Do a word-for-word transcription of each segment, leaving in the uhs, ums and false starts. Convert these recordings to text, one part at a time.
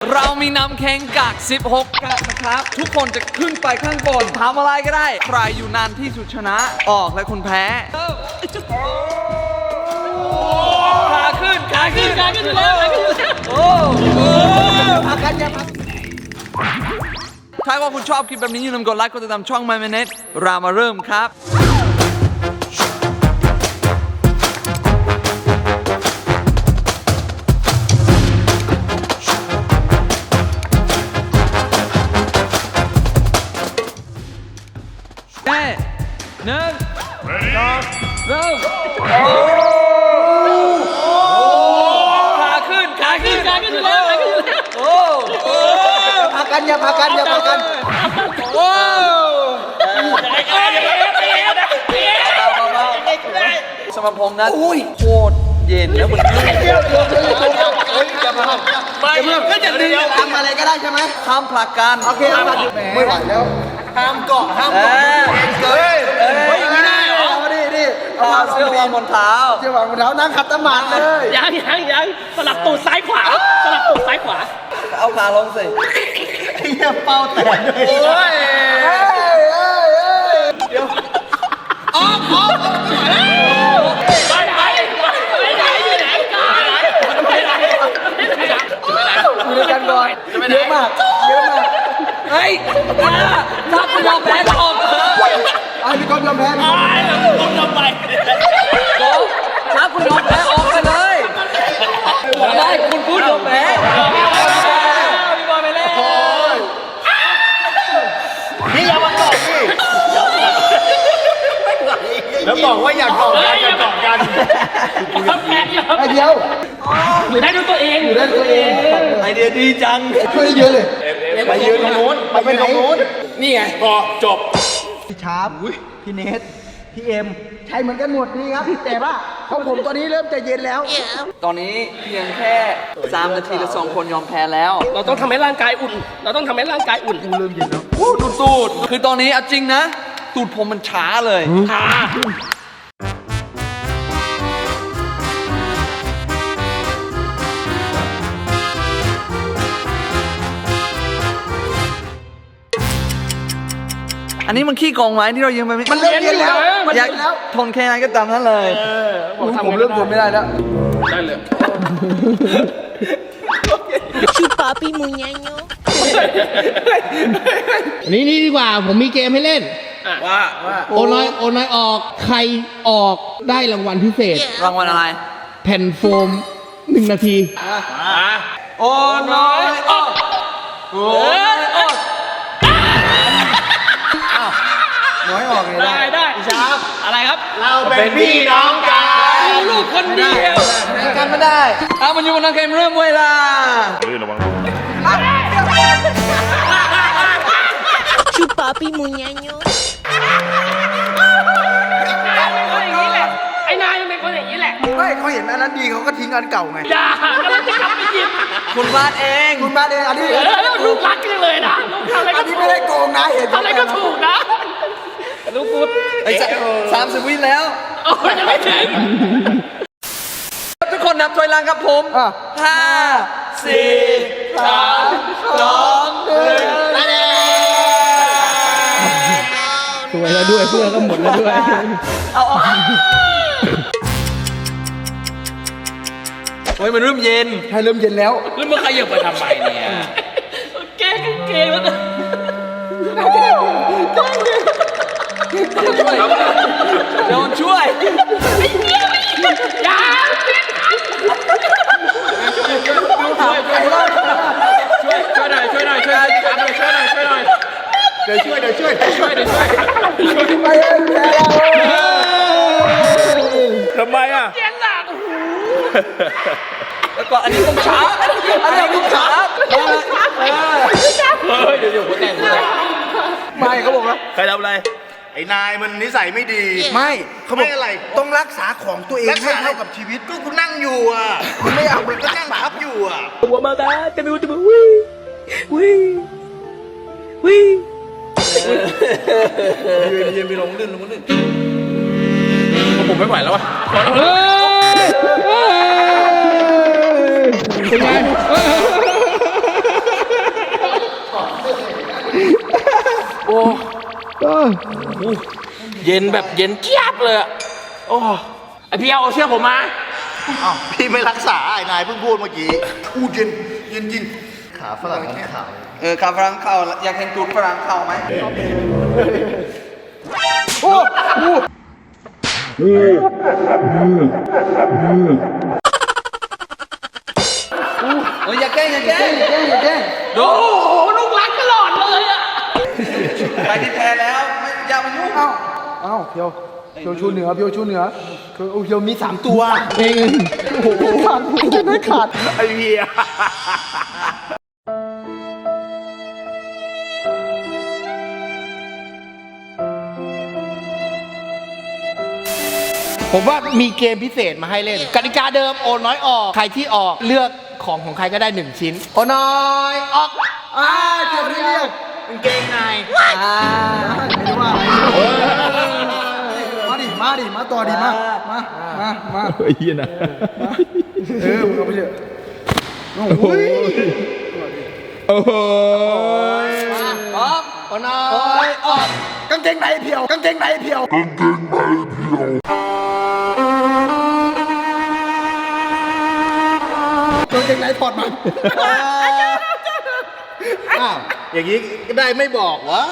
เรามีนำแข่งกักสิบหกกักนะครับทุกคนจะขึ้นไปข้างบนทำอะไรก็ได้ใครอยู่นานที่สุดชนะออกและคนแพ้ขาขึ้นขาขึ้นขาขึ้นแล้วโอ้พักกันอย่าพักถ้าว่าคุณชอบคลิปแบบนี้อย่าลืมกดไลค์กดติดตามช่อง My Minute เรามาเริ่มครับแม่หนึ่งสองเริ่มขาขึ้นขาขึ้นขาขึ้นแล้วโอ้พักกันอย่าพักกันอย่าพักกันโอ้สำหรับผมนะโคตรเย็นแล้วมันเดี๋ยวเดี๋ยวเดี๋ยวเฮ้ยอย่ามาไม่ก็จะดึงทำอะไรก็ได้ใช่ไหมห้ามผลักกันโอเคห้ามผลักไม่ไหวแล้วห้ามเกาะห้ามเกาะเฮ้ยเฮ้ยไม่ได้เอาดิดิเอาเสื้อวางบนเท้าเสื้อวางบนเท้านั่งขัดสมาธิเลยยังยังยังสลับตูดซ้ายขวาสลับตูดซ้ายขวาเอาขาลงสิไอ้เหี้ยเป้าแตกด้วยโอ้ยเดี๋ยวออกออกไปไปไปไหนไปไหนไปไหนไปไหนอยู่ด้วยกันก่อนเยอะมากเยอะมากเฮ้ยถ้าคุณยอมแพ้ก็ออกเถอะไอ้พี่ก๊อฟยอมแพ้ไอ้ผมยอมไปก๊อฟถ้าคุณยอมแพ้ออกไปเลยได้คุณพูดยอมแพ้พี่บอลไปเลยนี่อย่ามาเกาะสิแล้วบอกว่าอยากเกาะกันอยากเกาะกันไอเดียวอยู่ได้ด้วยตัวเองอยู่ได้ตัวเองไอเดียดีจังช่วยเยอะเลยไปยืนตรงนู้นไปยืนตรงนู้นนี่ไงพอจบพี่ชาร์ปพี่เนทพี่เอ็มใช้เหมือนกันหมดนี่ครับแต่ว่าของผมตอนนี้เริ่มจะเย็นแล้วตอนนี้เพียงแค่สามนาทีละสองคนยอมแพ้แล้วเราต้องทำให้ร่างกายอุ่นเราต้องทำให้ร่างกายอุ่นเริ่มเย็นแล้วตูดตูดคือตอนนี้เอาจริงนะตูดผมมันช้าเลยช้าอันนี้มันขี้กองไม้ที่เรายืมไปมันเริ่มเย็นแล้วมันอยากทนแค่ไหนก็ตามนั้นเลยผมเริ่มทนไม่ได้แล้วได้เลยชูปาปีมุญญาโยนี่นี่ดีกว่าผมมีเกมให้เล่นว่าโอน้อยโอน้อยออกใครออกได้รางวัลพิเศษรางวัลอะไรแผ่นโฟมหนึ่งนาทีโอน้อยออกโอ้ยออกน้อยออกเลยได้ได้ชาบอะไรครับเราเป็นพี่น้องกันลูกคนเดียวกันไม่ได้เอามันอยู่บนนักเกมเริ่มเวลาเฮ้ยระวังชูปาปีมุญญาโยไอ้นายเป็นคนอย่างนี้แหละไม่เขาเห็นอันนั้นดีเขาก็ทิ้งอันเก่าไงอย่ากำลังจะกลับไปหยิบคุณบ้านเองคุณบ้านเองอันนี้ลูกรักกันเลยนะลูกทำอะไรก็ถูกไม่ได้โกงนะเห็นอะไรก็ถูกนะลูกพูดไอ้สามสิบวิแล้วโอ้ยยังไม่ถึงทุกคนนับถอยหลังครับผมห้าสี่สามสองหนึ่งสวยแล้วด้วยเสื้อก็หมดแล้วด้วยเอาโอ้ยมันเริ่มเย็นใช่เริ่มเย็นแล้วแล้วมึงขยับไปทำไมเนี่ยแก้เกงแล้วโดนช่วยอย่าช่วยช่วยหน่อยช่วยหน่อยช่วยหน่อยช่วยหน่อยช่วยหน่อยช่วยหน่อยเดี๋ยวช่วยเดี๋ยวช่วยเดี๋ยวช่วยเดี๋ยวช่วยไปเองทำไมอ่ะเย็นหลังแล้วก็อันนี้ต้องช้าอันนี้ต้องช้าเฮ้ยเดี๋ยวเดี๋ยวผมแต่งเลยไม่เขาบอกว่าใครทำอะไรไอ้นายมันนิสัยไม่ดีไม่เขาบอกอะไรต้องรักษาของตัวเองให้เท่ากับชีวิตก็กูนั่งอยู่อ่ะคุณไม่เอามันก็นั่งทับอยู่อ่ะหัวมาตาจะมีจะมีวิ่งวิ่งวิ่งยืนยืนไปลงลื่นลงลื่นผมไม่ไหวแล้วอ่ะเป็นไงเย็นแบบเย็นเจี๊ยบเลยอะโอ้ไอพี่เอาเชื่อผมมาอ้าวพี่ไม่รักษาไอ้นายเพิ่งพูดเมื่อกี้อู้เย็นเย็นจริงขาฝรั่งขาวเออขาฝรั่งเข้าอยากเห็นตูดฝรั่งเข้าไหมโอ้โหเอออย่าแกล้งอย่าแกล้งอย่าแกล้งอย่าแกล้งดูโอ้โหลูกรักตลอดเลยอะใครที่แพ้แล้วไม่อย่ามายุ่งเอ้าเอ้าเพียวเพียวชูเหนือเพียวชูเหนือเพียวเพียวมีสามตัวเองโอ้โหขาดจะได้ขาดไอ้เหี้ยผมว่ามีเกมพิเศษมาให้เล่น กติกาเดิมโอนน้อยออก ใครที่ออกเลือกของของใครก็ได้หนึ่งชิ้น โอนน้อยออกอ่าเกี่ยวไม่เรียกกางเกงในอ่าไม่ได้ว่ามาดิมาดิมาต่อดิมามามามาไอ้เหี้ยนะเออมึงเอาไปเถอะโอ้โหโอ้โหพร้อมโอนน้อยออกกางเกงในเพียวกางเกงในเพียวกางเกงในเพียวกางเกงในถอดมันอ้าวอย่างนี้ก็ได้ไม่บอกวะ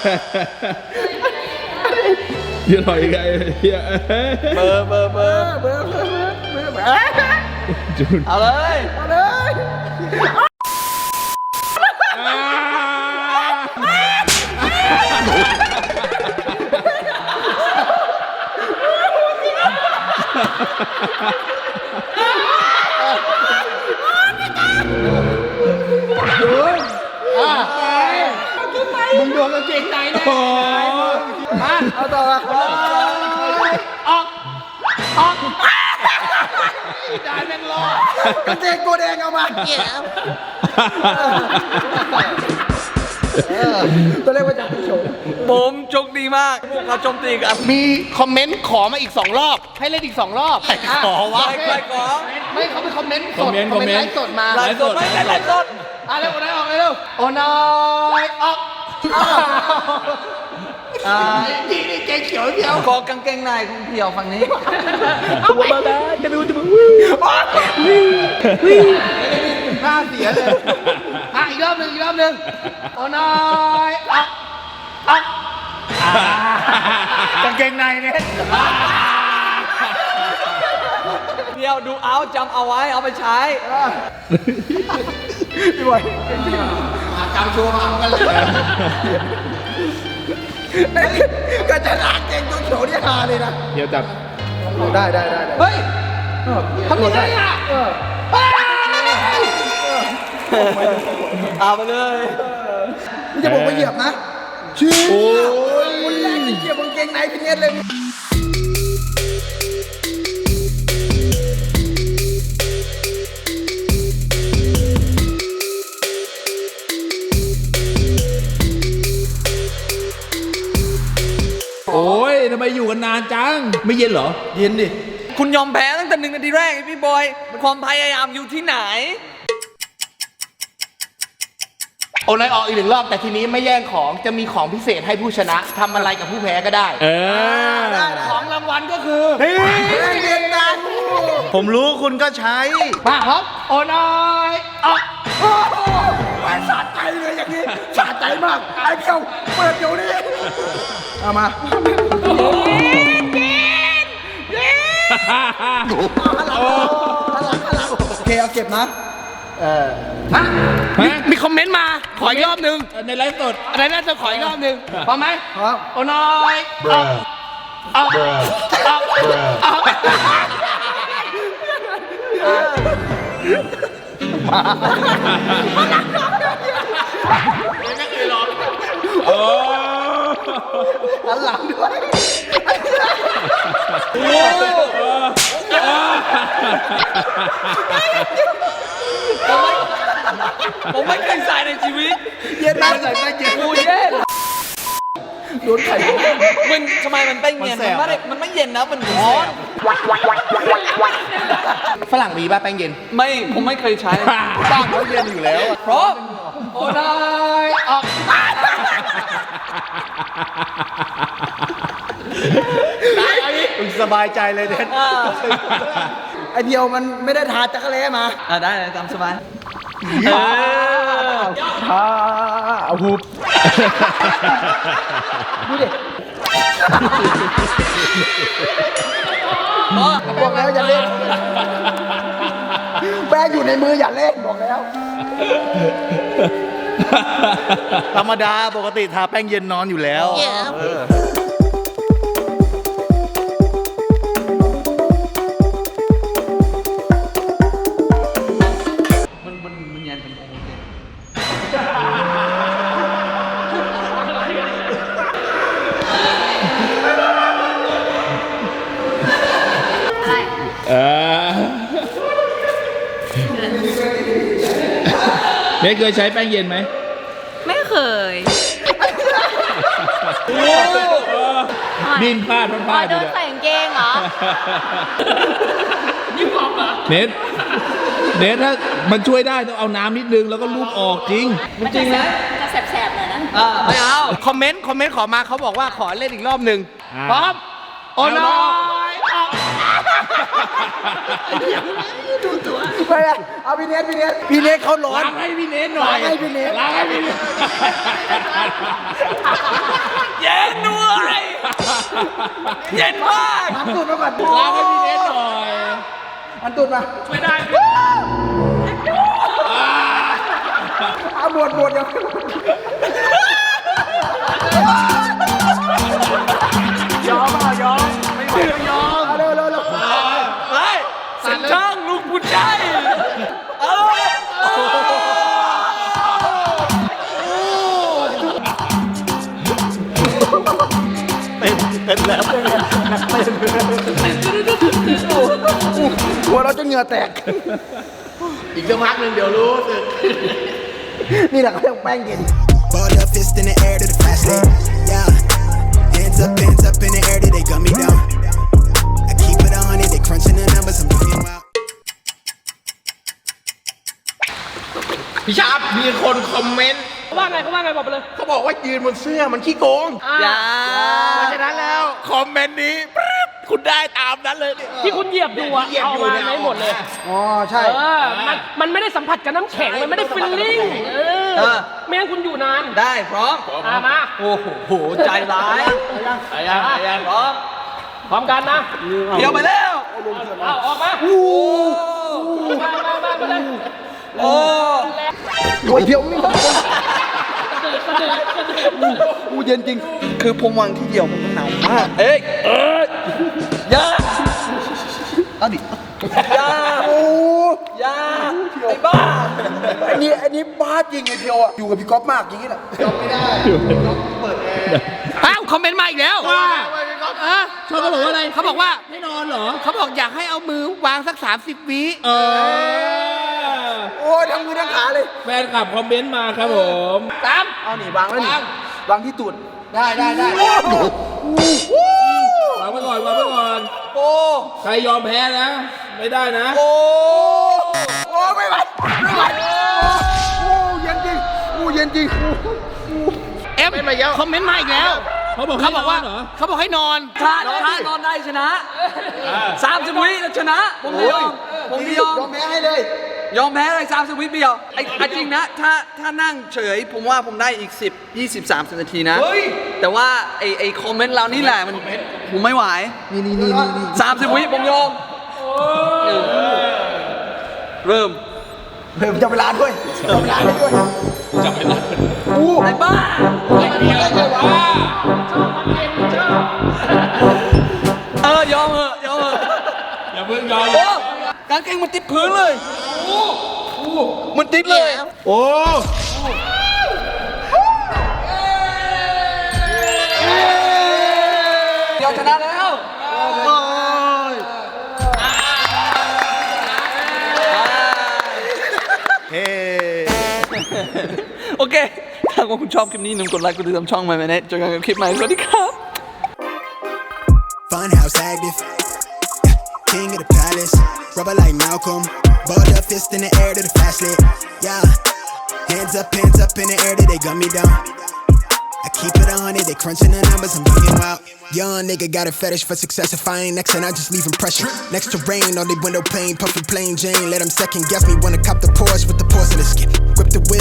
เดี๋ยวหน่อยไงเฮียเบอร์เบอร์เบอร์เบอร์เบอร์เบอร์เบอร์เบอร์จุนเอาเลยเอาเลยมึงโดนกางเกงในแน่มาเอาต่อมาออกออกได้แม่งรอกางเกงตัวแดงเอามาตัวเล็กว่าจะเป็นโฉมผมโชคดีมากพวกเขาโจมตีกันมีคอมเมนต์ขอมาอีกสองรอบ ให้เล่นอีกสองรอบขอวะใครขอไม่เขาไปคอมเมนต์สดคอมเมนต์ไลฟ์สดมาไลฟ์สดไม่ไลฟ์สดอ่ะเร็วโอนน้อยออกเร็วโอนน้อยออกอ่านี่นี่เกงเขียวเดียวขอกางเกงในคุณเพียวฝั่งนี้หน้าเสียเลยอ่ะอีกรอบหนึ่งอีกรอบหนึ่งโอนน้อยออกออกกางเกงในเนี่ยเพียวดูเอาจำเอาไว้เอาไปใช้พี่บอยจำชัวร์มาเอากันเลยก็จะล้างเกงตัวเขียวนี่ฮาเลยนะเดี๋ยวจับได้ได้ได้ได้เฮ้ยทำยังไงอ่ะเฮ้ยเอาไปเลยไม่จะบอกว่าเหยียบนะชี้โอ้ยคนแรกที่เหยียบกางเกงในพี่เน็ตเลยโอ้ยทำไมอยู่กันนานจัง ไม่เย็นเหรอเย็นดิคุณยอมแพ้ตั้งแต่หนึ่งนาทีแรกไอ้พี่บอยความพยายามอยู่ที่ไหนโอนน้อยออกอีกหนึ่งรอบแต่ทีนี้ไม่แย่งของจะมีของพิเศษให้ผู้ชนะทำอะไรกับผู้แพ้ก็ได้เออของรางวัลก็คือเย็นนะผมรู้คุณก็ใช้มาครับโอนน้อยออกโอ้โหแหวนสะใจเลยอย่างนี้สะใจมากไอ้เพียวเปิดเดี๋ยวนี้เอามาโอเคเอาเก็บนะฮะมีมีคอมเมนต์มาขออีกรอบหนึ่งในไลฟ์สดอะไรน่าจะขออีกรอบหนึ่งพร้อมไหมครับโอนน้อยออกออกออกออกโอ้หันหลังด้วยผมไม่เคยใส่ในชีวิตเย็นนะใส่ไม่เย็นกูเย็นโดนไข่มันทำไมมันเป็นเย็นมันไม่ได้มันไม่เย็นนะมันร้อนฝรั่งมีป่ะแป้งเย็นไม่ผมไม่เคยใช้บ้านเขาเย็นอยู่แล้วพร้อมโอนน้อยออกมึงสบายใจเลยเด็ดไอเพียวมันไม่ได้ทาจักรแล้มาอ่ะได้เลยตามสบายทาเอาหุบดูดิบอกแล้วอย่าเล่นแป้งอยู่ในมืออย่าเล่นบอกแล้วธรรมดาปกติทาแป้งเย็นนอนอยู่แล้วมันมันมันยันเป็นโอเคเออเนทเคยใช้แป้งเย็นไหมไม่เคยดิ้นพลาดพอ๋ลาอดอโดยู่นเนี่ยใส่กางเกงเหรอนี่บอกเหรอเนทเนทถ้ามันช่วยได้ต้องเอาน้ำนิดนึงแล้วก็ลูบออกจริงมันจริงนะจะแสบๆหน่อยนะอ่าไม่เอาคอมเมนต์ คอมเมนต์ขอมาเขาบอกว่าขอเล่นอีกรอบหนึ่งอ่าพร้อม โอ้น้อยไปเลยเอาพี่เนทพี่เนทพี่เนทเขาร้อนล้างให้พี่เนทหน่อยล้างให้พี่เนทล้างให้พี่เนทเย็นด้วยเย็นมากหันตูดมาก่อนล้างให้พี่เนทหน่อยหันตูดมาช่วยได้เอาหมดหมดเดี๋ยวยอมเอายอมไม่ไหวก็ยอมเอาเร็วเร็วเร็วไปสัญช่างลูกผู้ชายเออเต้นเต้นแล้วหัวเราจะเหงื่อแตกอีกสักพักหนึ่งเดี๋ยวรู้สึกนี่แหละเขาเรียกแป้งเย็น Ball up, fist in the air to the fast lane. Yeah. Hands up, hands up in the air till they gun me down. I keep it on it, they crunching the numbers, I'm looking wild. พี่ชาร์ปมีคนคอมเมนต์เขาว่าไงเขาว่าไงบอกไปเลยเขาบอกว่ายืนบนเสื้อมันขี้โกงอย่าเพราะฉะนั้นแล้ว คอมเมนต์นี้ปึ๊บคุณได้ตามนั้นเลยที่คุณเหยียบดูอะเอามาไม่หมดเลยอ๋อ ใช่เออ มันมันไม่ได้สัมผัสกับน้ำแข็ง มันไม่ได้ฟิลลิ่ง เออ ไม่งั้นคุณอยู่นานได้พร้อมอ่ะมาโอ้โหใจร้ายไปยังไปยังพร้อมพร้อมกันนะเดี๋ยวไปแล้วเอาออกมาโอ้มามามามาเลยโอ้โอ้ยเพียวนี่กระเดือกกระเดือกกระเดือกอูเย็นจริง คือผมวางที่เดียวมันหนาวมากเอ้ยเอ้ยอย่าเอาดิอย่าโอ้อย่าไอ้บ้าไอ้นี่ไอ้นี่บ้าจริงไอ้เพียวอ่ะ อยู่กับพี่ก๊อฟมากอย่างนี้แหละก๊อฟไม่ได้อ้าวคอมเมนต์มาอีกแล้วว่าเออชอบเขาบอกว่าอะไรเขาบอกว่าไม่นอนเหรอเขาบอกอยากให้เอามือวางสักสามสิบวิเออโอ้ยทั้งมือทั้งขาเลยแฟนคลับคอมเมนต์มาครับผมตาม เอานี่วางไว้นี่วางที่ตูดได้ได้ได้วางไว้ก่อนวางไว้ก่อนโอ้ใครยอมแพ้นะ ไม่ได้นะโอ้โอ้ไม่ไหวไม่ไหวโอ้เย็นจริงโอ้เย็นจริงเอ็มคอมเมนต์มาอีกแล้วเขาบอกเขาบอกว่าให้นนเหรอเขาบอกให้นอนถ้าถ้านอนได้ชนะสามสิบวิแล้วชนะ ผมไม่ยอม ผมไม่ยอมยอมแพ้ให้เลยยอมแพ้เลยสามสิบวิเดียวไอ้ไอ้จริงนะ ถ้าถ้านั่งเฉย ผมว่าผมได้อีกสิบ ยี่สิบ สามสิบนาทีนะ แต่ว่าไอ้ไอ้คอมเมนต์เรานี่แหละมันผมไม่ไหวนี่นี่นี่นี่นี่สามสิบวิผมยอมเริ่มเพิ่มจับเวลาด้วยจับเวลาด้วยจับไม่ได้อู้ไอ้บ้าไอ้เดียวว่าเออยอมเหอะยอมเหอะอย่าเพิ่งยอมโอ้กางเกงมันติดพื้นเลยมันติดเลยโอ้เดี๋ยวชนะแล้วเฮ้โอเค ถ้าว่าคุณชอบคลิปนี้หนุ่มกดไลค์กดติดตามช่องใหม่ไหมเนี่ยเจอกันกับคลิปใหม่ สวัสดีครับ Funhouse active. King of the palace. Rubber like Malcolm. Ball up, fist in the air to the fast lane. Yeah. Hands up, hands up in the air till they gun me down. I keep it on it, they crunching the numbers, I'm getting wild. Young nigga got a fetish for success. If I ain't next, then I just leave impression. Next to rain on the window pane, puffy plain Jane. Let them second guess me, wanna cop the Porsche with the porcelain skin. Grip the wheel.